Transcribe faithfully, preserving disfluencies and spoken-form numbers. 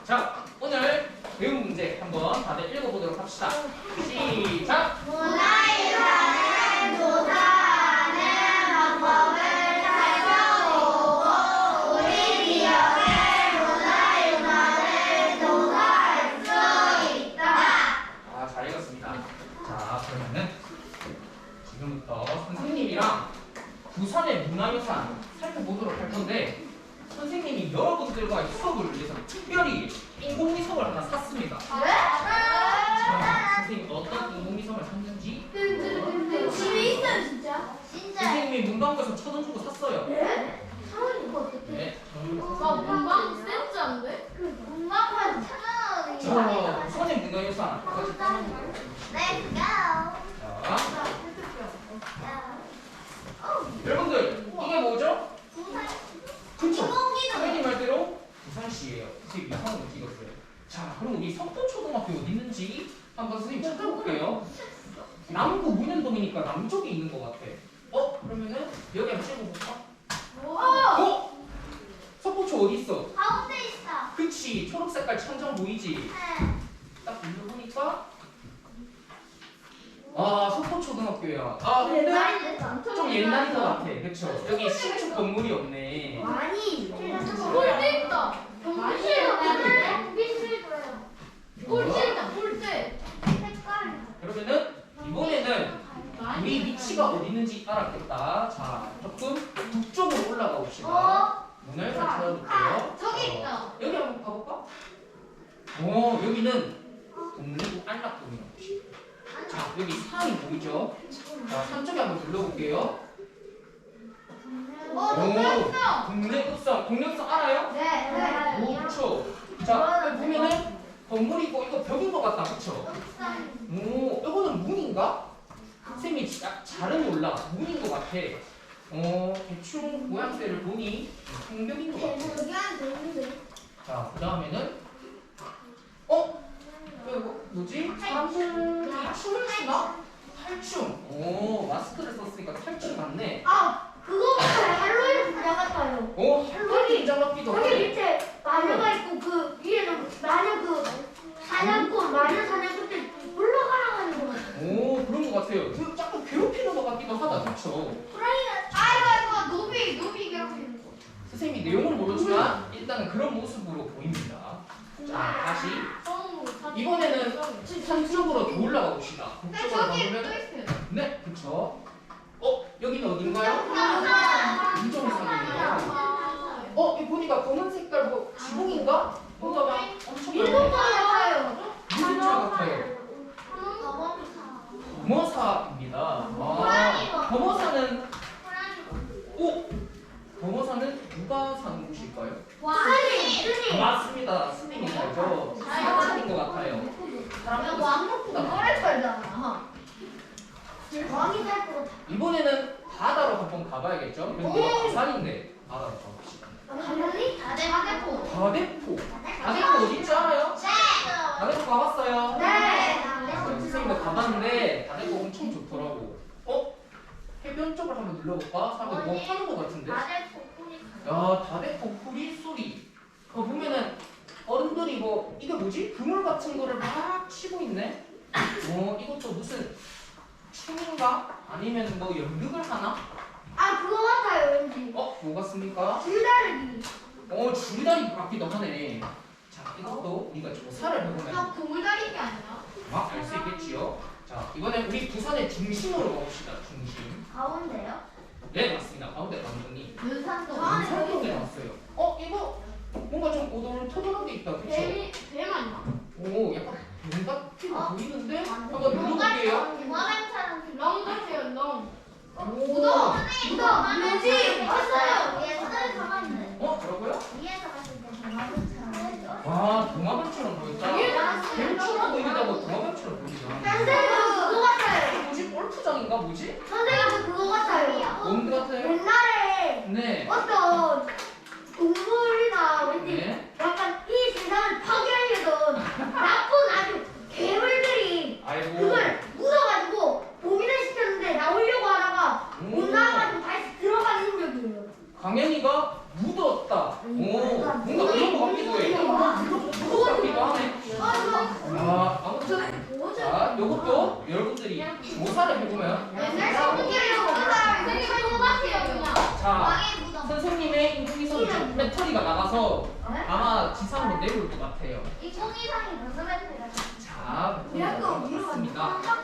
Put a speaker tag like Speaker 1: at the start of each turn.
Speaker 1: 자, 오늘 배운 문제 한번 다들 읽어보도록 합시다. 시작!
Speaker 2: 문화유산을 조사하는 방법을 살펴보고 우리 기업의 문화유산을 조사할 수 있다.
Speaker 1: 아, 잘 읽었습니다. 자, 그러면은 지금부터 선생님이랑 부산의 문화유산 살펴보도록 할 건데, 선생님이 여러분들과 수업을 위해서 특별히 인공위성을 하나 샀습니다. 자, 선생님이 어떤 인공위성을 샀는지
Speaker 2: 집에 있어요 진짜? 진짜?
Speaker 1: 선생님이 문방구에서 천 원 주고 샀어요.
Speaker 2: 네? 사원이 이거 어떻게?
Speaker 1: 네, 저는
Speaker 3: 나 문방 센스 안 돼?
Speaker 2: 그 문방구에서 천 원이
Speaker 1: 자, 부산의 문화유산 같이 따라해볼게요.
Speaker 2: Let's go.
Speaker 1: 자, 여러분들 이게 뭐죠? 그쵸? 선생님 말대로 부산시예요. 선생님 이상한 거 찍었어요. 자, 그럼 우리 석도초등학교 어디 있는지 한번 선생님 찾아볼게요. 남구 문현동이니까 남쪽에 있는 것 같아. 어? 그러면은 여기 한번 찍어볼까? 어? 석도초 어디 있어?
Speaker 2: 가운데 있어.
Speaker 1: 그치, 초록색깔 천장 보이지?
Speaker 2: 네.
Speaker 1: 딱 눌러보니까 아, 석도초등학교야. 아, 근데 좀 옛날인 것 같아. 그쵸? 여기 신축 건물이 없네.
Speaker 2: 많이.
Speaker 3: 꼴대 있다.
Speaker 2: 많이에요.
Speaker 3: 경비실.
Speaker 2: 비실 거예요.
Speaker 3: 꼴대 있다. 꼴대.
Speaker 2: 색깔.
Speaker 1: 그러면은 이번에는 우리 위치가 어디 있는지 알았겠다. 자, 조금 북쪽으로 올라가 봅시다.
Speaker 2: 어?
Speaker 1: 문을 잘 찾아볼게요.
Speaker 2: 저기
Speaker 1: 어,
Speaker 2: 있다.
Speaker 1: 여기 한번 가볼까? 어, 여기는 동래구 안락동이라고 곳이에요. 자, 여기 산이 보이죠? 자, 산 쪽에 한번 둘러볼게요.
Speaker 2: 어,
Speaker 1: 오, 동래읍성. 동래읍성 알아요?
Speaker 2: 네. 네.
Speaker 1: 오, 그쵸? 자, 여기 보면은 건물이 있고 이거 벽인 것 같다. 그쵸? 오, 이거는 문인가? 선생님이 자- 잘은 몰라. 문인 것 같아. 어, 대충 모양새를 보니 성벽인 것 같아.
Speaker 2: 여기 안에 있는데.
Speaker 1: 자, 그 다음에는 어? 이거 뭐지? 사람들이 춤을 추나? 탈춤. 오, 마스크를 썼으니까 탈춤 맞네.
Speaker 2: 아, 그거 같아요. 할로윈 분장 같아요.
Speaker 1: 오, 할로윈 긴장 같기도
Speaker 2: 거기
Speaker 1: 하네.
Speaker 2: 밑에 마녀가 있고 그 위에는 마녀 그 사냥꾼 마녀 사냥꾼 때 올라가라는 거 같아요.
Speaker 1: 오, 그런 것 같아요. 그 약간 괴롭히는 것 같기도 하다. 그쵸?
Speaker 2: 아이고 아이고 노비 노비 괴롭히는 거.
Speaker 1: 선생님이 내용을 모르지만 일단은 그런 모습으로 보입니다. 자, 다시 이번에는 산 쪽으로 더 올라가 봅시다. 북쪽으로 가보면 네, 그쵸? 어, 여기는 어딘가요? 인정산이네요. 어, 이 보니까 검은 색깔 뭐 지붕인가? 뭔가가 엄청
Speaker 2: 일본 거 같아요.
Speaker 1: 유리차 같아요. 범어사입니다. 아, 범어사는 오, 범어사는 누가 사는 곳일까요?
Speaker 2: 스님 스님.
Speaker 1: 맞습니다. 스님이 살죠. 사찰인 것 같아요. 사람들은 생각보다 많아요.
Speaker 2: 살잖아. 왕이 살것 같아.
Speaker 1: 이번에는 바다로 한번 가봐야겠죠? 여기가 부산인데 바다로 가봅시다.
Speaker 2: 당연히 다대포.
Speaker 1: 다대포. 다대포 어딘지 알아요? 다대포 가봤어요?
Speaker 2: 네.
Speaker 1: 선생님도 가봤는데 다대포 엄청 좋더라고. 어? 해변 쪽을 한번 눌러볼까? 사람들 뭐 하는 것 같은데? 야, 다대포 풀이 소리. 그거 보면은 어른들이 뭐 이게 뭐지? 그물 같은 거를 막 치고 있네. 어, 이것도 무슨 춤인가? 아니면 뭐 연극을 하나?
Speaker 2: 아 그거 같아요 왠지.
Speaker 1: 어, 뭐 같습니까?
Speaker 2: 줄다리기.
Speaker 1: 어, 줄다리 같기도 하네. 자, 이것도 우리가 조사를 해보면
Speaker 3: 고물다리기 아니야?
Speaker 1: 막 알 수 있겠지요. 자, 이번엔 우리 부산의 중심으로 가봅시다. 중심.
Speaker 2: 가운데요?
Speaker 1: 네, 맞습니다. 가운데 감독님.
Speaker 3: 눈산도.
Speaker 1: 산동에 나왔어요. 어, 이거 뭔가 좀 오돌토돌한 게 있다. 그쵸?
Speaker 3: 뱀이 뱀 아니야?
Speaker 1: 오, 약간 뱀 같은 거
Speaker 2: 어?
Speaker 1: 보이는데? 한번 눌러볼게요.
Speaker 2: 무화과처럼.
Speaker 3: 렁 같아요 렁.
Speaker 1: 오.
Speaker 2: 묻어. 묻어. 왠지 봤어요. 옛날에 가봤는데.
Speaker 1: 어, 뭐라고요?
Speaker 2: 위에서 봤을 때 무화과처럼.
Speaker 1: 와, 동화뱀처럼 보였다. 뱀처럼 보이다고 동화뱀처럼 보이잖아.
Speaker 2: 선생님 그거 같아요.
Speaker 1: 뭐지? 골프장인가 뭐지?
Speaker 2: 선생님 그거 같아요.
Speaker 1: 뭔 같아요?
Speaker 2: 옛날에
Speaker 1: 네.
Speaker 2: 어떤 동물이나 왠지
Speaker 1: 네.
Speaker 2: 약간 이 세상을 파괴하려던 나쁜 아주 괴물들이
Speaker 1: 아이고.
Speaker 2: 그걸 묻어가지고 봉인을 시켰는데 나오려고 하다가 못
Speaker 1: 오.
Speaker 2: 나와가지고 다시 들어가는 능력이에요.
Speaker 1: 강현이가 묻었다. 오, 뭔가 그런 거 같기도 해.
Speaker 2: 그거
Speaker 1: 조사를 해보면
Speaker 3: 맨날 성분기를 먹는 사람이 생긴 똑같아요 그냥.
Speaker 1: 자 선생님의 인공위성 배터리가 나가서 아마 지상으로 내려올 것 같아요.
Speaker 2: 인공위성이 무슨 배터리가
Speaker 1: 자
Speaker 2: 우리 학교
Speaker 1: 배터리가 나갔습니다.